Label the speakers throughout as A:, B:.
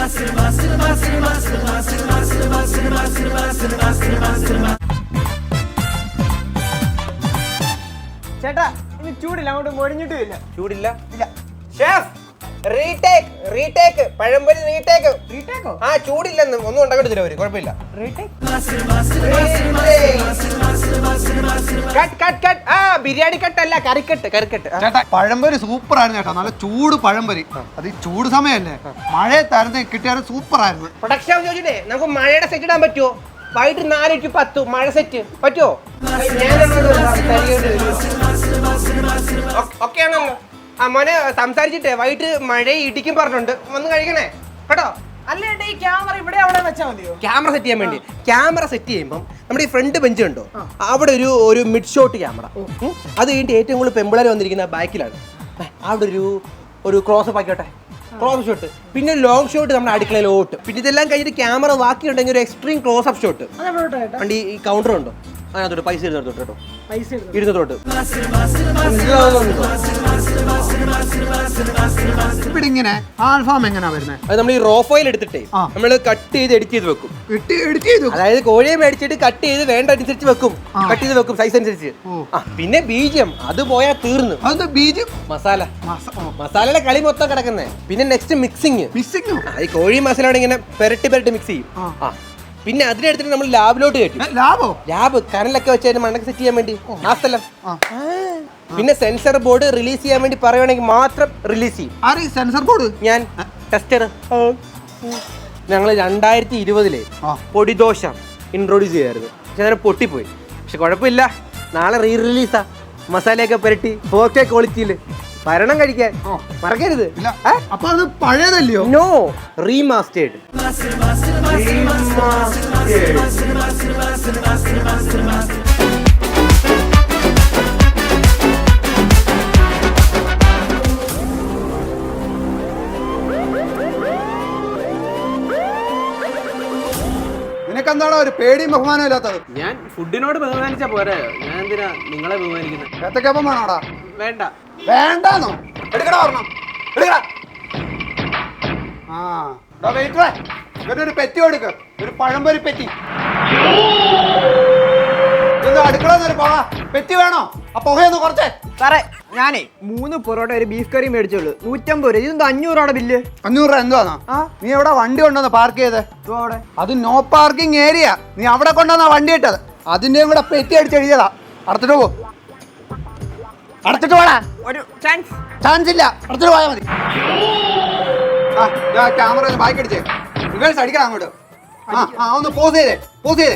A: ചേട്ടാ ഇനി ചൂടില്ല, അങ്ങോട്ട് മൊഴിഞ്ഞിട്ടുമില്ല.
B: ചൂടില്ല ഇല്ല. Chef retake pazhampori retake.
A: റീടേക്കോ?
B: ആ ചൂടില്ലെന്ന് ഒന്നും ഉണ്ടാക്കിട്ട് തരും അവര്, കുഴപ്പമില്ല. ബിരിയാണി കട്ടല്ല, കറിക്കട്ട്.
C: ചേട്ടാ പഴംപൊരി സൂപ്പർ ആയിരുന്നു ചേട്ടാ, നല്ല ചൂട് പഴംപൊരി. അത് ഈ ചൂട് സമയല്ലേ, മഴയത്തായിരുന്നു കിട്ടിയാലും സൂപ്പർ ആയിരുന്നു.
B: പ്രൊഡക്ഷൻ ചോദിച്ചിട്ടേ നമുക്ക് മഴയുടെ സെറ്റ് ഇടാൻ പറ്റുമോ? വൈകിട്ട് 4 to 10 മഴ സെറ്റ് പറ്റുമോ? ഓക്കെ ആണല്ലോ. ആ മോനെ സംസാരിച്ചിട്ടേ വൈകിട്ട് മഴ ഇടിക്കും പറഞ്ഞിട്ടുണ്ട്, വന്ന് കഴിക്കണേ കേട്ടോ.
A: അല്ല ചേട്ടാ, ഈ ക്യാമറ ഇവിടെ അവിടെ വെച്ചാൽ മതിയോ?
B: ക്യാമറ സെറ്റ് ചെയ്യാൻ വേണ്ടി ക്യാമറ സെറ്റ് ചെയ്യുമ്പോൾ നമ്മുടെ ഈ ഫ്രണ്ട് ബെഞ്ച് ഉണ്ടോ, അവിടെ ഒരു മിഡ് ഷോട്ട് ക്യാമറ. അത് കഴിഞ്ഞിട്ട് ഏറ്റവും കൂടുതൽ പെമ്പിളർ വന്നിരിക്കുന്ന ബാക്കിലാണ്. അവിടെ ഒരു ക്ലോസ് അപ്പ് ആക്കിയോട്ടെ, ക്ലോസ് ഷോട്ട്. പിന്നെ ലോങ് ഷോട്ട് നമ്മുടെ അടുക്കളയിലോട്ട്. പിന്നെ ഇതെല്ലാം കഴിഞ്ഞിട്ട് ക്യാമറ ബാക്കിയുണ്ടെങ്കിൽ ഒരു എക്സ്ട്രീം ക്ലോസ് അപ്പ് ഷോട്ട്. വണ്ടി ഈ കൗണ്ടർ ഉണ്ടോ അതിനകത്തോട്ട് പൈസ ഇരുന്നോട്ട് കേട്ടോ, ഇരുന്നോട്ട്.
C: ഇവിടെ ഇങ്ങനെ ആൽഫാം എങ്ങനെയാ വരുന്നത്?
B: അത് നമ്മൾ ഈ റോ ഫയൽ എടുത്തിട്ടേ നമ്മൾ കട്ട് ചെയ്ത് എഡിറ്റ് ചെയ്ത് വെക്കും. അതായത് കോഴിയെ മേടിച്ചിട്ട് കട്ട് ചെയ്ത് വേണ്ട അനുസരിച്ച് വെക്കും, കട്ട് ചെയ്ത് വെക്കും സൈസ് അനുസരിച്ച്. പിന്നെ ബീജം അത് പോയാൽ തീർന്നു. മസാലയുടെ കളി മൊത്തം കിടക്കുന്നേ. പിന്നെ നെക്സ്റ്റ് മിക്സിങ്. ഈ കോഴി മസാല ഇങ്ങനെ പെരട്ടി മിക്സ് ചെയ്യും. പിന്നെ അതിനെടുത്തിട്ട് നമ്മൾ ലാബിലോട്ട് കയറ്റും. ലാബ് കനലൊക്കെ വെച്ച് മണ്ണൊക്കെ സെറ്റ് ചെയ്യാൻ വേണ്ടി ആ സ്ഥലം. പിന്നെ സെൻസർ ബോർഡ് റിലീസ് ചെയ്യാൻ വേണ്ടി പറയുവാണെങ്കിൽ മാത്രം റിലീസ് ചെയ്യും.
C: സെൻസർ ബോർഡ്
B: ഞാൻ ടെസ്റ്റർ. ഞങ്ങൾ 2020 പൊടിദോശ ഇൻട്രൊഡ്യൂസ് ചെയ്യായിരുന്നു. പക്ഷെ അതിനെ പൊട്ടിപ്പോയി. പക്ഷെ കുഴപ്പമില്ല, നാളെ റിലീസാ. മസാലയൊക്കെ പുരട്ടി 4K ക്വാളിറ്റിയിൽ ഭരണം കഴിക്കാൻ മറക്കരുത്.
C: അപ്പൊ അത് പഴയതല്ലയോ?
B: No, remastered.
C: നിനക്കെന്താണോ ഒരു പേടിയും ബഹുമാനം ഇല്ലാത്തത്?
D: ഞാൻ ഫുഡിനോട് ബഹുമാനിച്ചാ പോരെ, ഞാൻ എന്തിനാ നിങ്ങളെ ബഹുമാനിക്കുന്നത്?
C: ഏത്തക്കപ്പം വേണോടാ?
D: വേണ്ട.
C: വേണ്ടാന്നോ? എടുക്കടാ പറഞ്ഞോ, എടുക്കടാ. ഇവനൊരു പെറ്റി കൊടുക്ക, ഒരു പഴംപൊരി പെറ്റി. അടുക്കള പോകാ, പെറ്റി വേണോ? ആ പുകയൊന്ന് കുറച്ചേ.
A: സാറേ ഞാനേ 3 പൊറോട്ട ഒരു ബീഫ് കറി മേടിച്ചോളൂ, 150 രൂപ. ഇതെന്താ 500 രൂപയുടെ ബില്ല്?
C: 500 രൂപ എന്തുവാന്നാ? നീ എവിടെ വണ്ടി കൊണ്ടുവന്ന് പാർക്ക് ചെയ്തേ? അത് നോ പാർക്കിംഗ് ഏരിയ. നീ അവിടെ കൊണ്ടുവന്നാ വണ്ടി ഇട്ടത്. അതിന്റെയും കൂടെ പെറ്റി അടിച്ചെഴുതിയതാ. അടച്ചിട്ട് പോ, അടച്ചിട്ട് പോടാ.
A: ഒരു
C: ചാൻസ് ഇല്ല, അടച്ചിട്ട് പോയാൽ മതി. ക്യാമറ ബാക്ക് അടിച്ചേ, റിവേഴ്സ് അടിക്കണം അങ്ങോട്ട്. ഒന്ന് പോസ് ചെയ്തേ.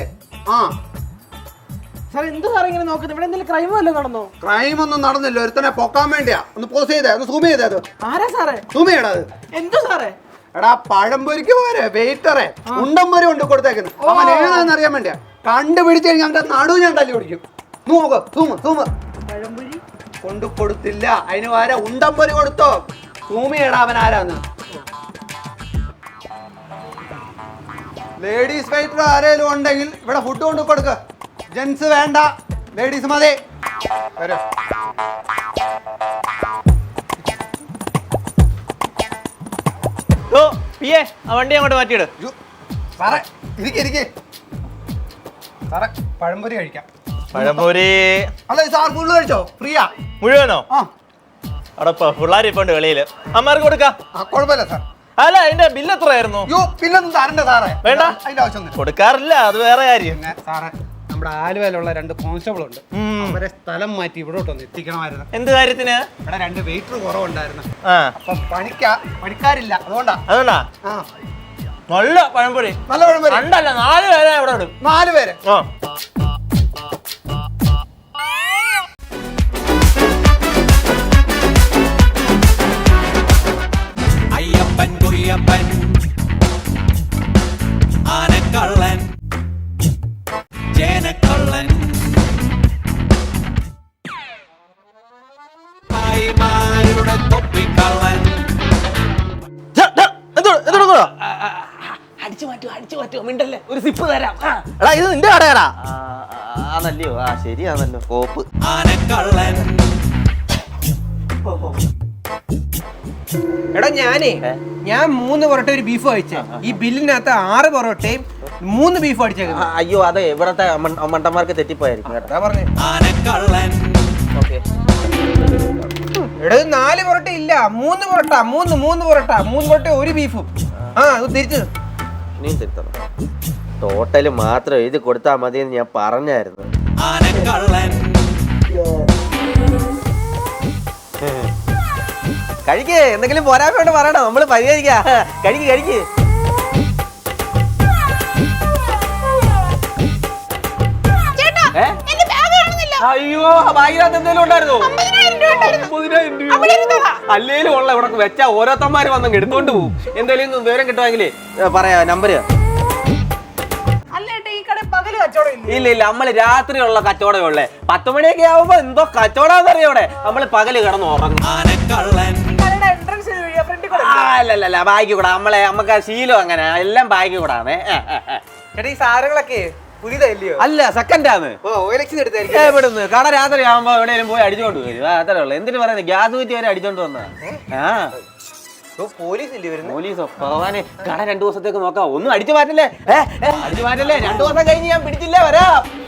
A: സാർ എന്ത് സാറേ ഇങ്ങനെ നോക്കുന്നത്? ഇവിടെ എന്തെങ്കിലും ക്രൈം വല്ലതും നടന്നോ?
C: ക്രൈം ഒന്നും നടന്നില്ല, ഒരുത്തനെ പൊക്കാൻ വേണ്ടിയാ. ഒന്ന് പോസ് ചെയ്തേ, ഒന്ന് സൂം ചെയ്തേ. അത്
A: ആരാ സാറേ?
C: സൂം ചെയ്യടാ. അത്
A: എന്തോ സാറേ?
C: എടാ പഴംപൊരിക്ക് പോരെ വെയിറ്ററെ ഉണ്ടംപൊരി കൊണ്ട് കൊടുത്തേക്കുന്നത്. അവൻ ഏതാന്ന് അറിയാൻ വേണ്ടിയാ. കണ്ടുപിടിച്ച് കഴിഞ്ഞാൽ അവന്റെ നടുവ് ഞാൻ തല്ലി പിടിക്കും. നോക്ക്,
A: പഴംപൊരി
C: കൊണ്ടു കൊടുത്തില്ല, അതിന് വരെ ഉണ്ടംപൊരി കൊടുത്തോ. സൂമിയടാ അവൻ ആരാന്ന്. ലേഡീസ് വെയിറ്റർ ആരേലും ഉണ്ടെങ്കിൽ ഇവിടെ ഫുഡ് കൊണ്ട് കൊടുക്ക. ജെന്റ്സ് വേണ്ട, ലേഡീസ് മതി.
D: വണ്ടി അങ്ങോട്ട് മാറ്റിയിട്.
C: സാറേ ഇരിക്കെ സാറേ, പഴംപൊരി കഴിക്കാം.
D: പഴംപൊരി
C: അല്ല സാർ ഫുള്ള് കഴിച്ചോ? ഫ്രീയാ
D: മുഴുവനോ? അവിടെ പിള്ളേർ ഇപ്പൊ വെളിയില്, അമ്മമാർക്ക് കൊടുക്കാം.
C: കുഴപ്പമില്ല സാർ.
D: അല്ല അതിന്റെ ബില്ല് എത്രയായിരുന്നു?
C: ബില്ലൊന്നും തരണ്ട സാറേ.
D: വേണ്ട,
C: അതിന്റെ ആവശ്യം
D: കൊടുക്കാറില്ല, അത് വേറെ കാര്യം.
C: സാറേ നമ്മുടെ ആലുവയിലുള്ള 2 കോൺസ്റ്റബിൾ ഉണ്ട്, അവരെ സ്ഥലം മാറ്റി ഇവിടോട്ടൊന്ന് എത്തിക്കണമായിരുന്നു.
D: എന്ത് കാര്യത്തിന്?
C: ഇവിടെ 2 വെയിറ്റർ കുറവുണ്ടായിരുന്നു. അപ്പൊ പണിക്കാരില്ല, അതുകൊണ്ടാ.
D: നല്ല പഴംപൊരി.
C: നല്ല പഴംപൊരി.
D: 2 അല്ല 4 പേരെ ഇവിടെ ഇടും.
C: 4 പേര്.
E: അയ്യപ്പൻ കുയ്യപ്പൻ ആനക്കള്ളൻ ജനക്കള്ളൻ ഭായിമാരുടെ തൊപ്പിക്കള്ളൻ.
D: അടിച്ചു മാറ്റോ മിണ്ടല്ലേ, ഒരു സിപ്പ് തരാം. എടാ ഇത് നിന്റെ കടയാടാ. ആണല്ലോ, ശരിയാണല്ലോ. കോപ്പ്
E: ആനക്കള്ളൻ
B: എടാ ഞാൻ 3 പൊറോട്ട ഒരു ബീഫ് കഴിച്ചേ. ഈ ബില്ലിനകത്ത് 6 പൊറോട്ടയും 3 ബീഫ് അടിച്ചേക്കുന്നത്.
D: അയ്യോ അതെ ഇവിടത്തെ മണ്ടന്മാർക്ക് തെറ്റിപ്പോയായിരിക്കും കേട്ടോ.
B: അതാ പറഞ്ഞേ.
E: ആനക്കള്ളൻ
D: ഓക്കെ
B: എടാ 4 പൊറോട്ട ഇല്ല, 3 പൊറോട്ട, 3 പൊറോട്ട ഒരു ബീഫും. അത് തിരിച്ചു
D: നീ തിരുത്തണം. ടോട്ടല് മാത്രം എഴുതി കൊടുത്താൽ മതി എന്ന് ഞാൻ പറഞ്ഞായിരുന്നു.
E: ആനക്കള്ളൻ
D: കഴിക്കേ, എന്തെങ്കിലും പോരായ്മ കൊണ്ട് പറയണം, നമ്മള് പരിഹരിക്കാ. കഴിക്ക് അയ്യോ ബാഗിനകത്ത് എന്തെങ്കിലും ഉണ്ടായിരുന്നോ? 50,000 രൂപ. അല്ലേലും ഉള്ള ഇവിടെ വെച്ചാ ഓരോരുത്തന്മാര് വന്ന് എടുത്തോണ്ട് പോകും. എന്തെങ്കിലും വിവരം കിട്ടുമെങ്കിലേ പറയാ നമ്പര്. ഇല്ല നമ്മള് രാത്രിയുള്ള കച്ചവടമേ ഉള്ളേ. 10 മണിയൊക്കെ ആവുമ്പോ എന്തോ കച്ചവടാന്നറിയോടെ നമ്മള് പകല് കിടന്ന് ഉറങ്ങും.
E: ആനക്കള്ളൻ
D: അല്ലല്ല ബാഗ് കൂടാ. നമുക്ക് ശീലം അങ്ങനെ എല്ലാം ബാഗ് കൂടാണ്.
B: ചേട്ടാ ഈ സാധനങ്ങളൊക്കെ പുതിയതല്ലയോ?
D: അല്ല സെക്കൻഡാണ്. എവിടുന്ന് കട രാത്രി ആവുമ്പോ എവിടെയെങ്കിലും പോയി അടിച്ചോണ്ട് വരും. അത്രേ ഉള്ളു. എന്തിനു പറയുന്നത്, ഗ്യാസ് കുറ്റി വരെ അടിച്ചോണ്ട് വന്നാ. പോലീസോ ഭഗവാനെ, കട 2 ദിവസത്തേക്ക് നോക്കാം. ഒന്നും അടിച്ചു മാറ്റല്ലേ, 2 ദിവസം കഴിഞ്ഞ് ഞാൻ പിടിച്ചില്ലേ വരാം.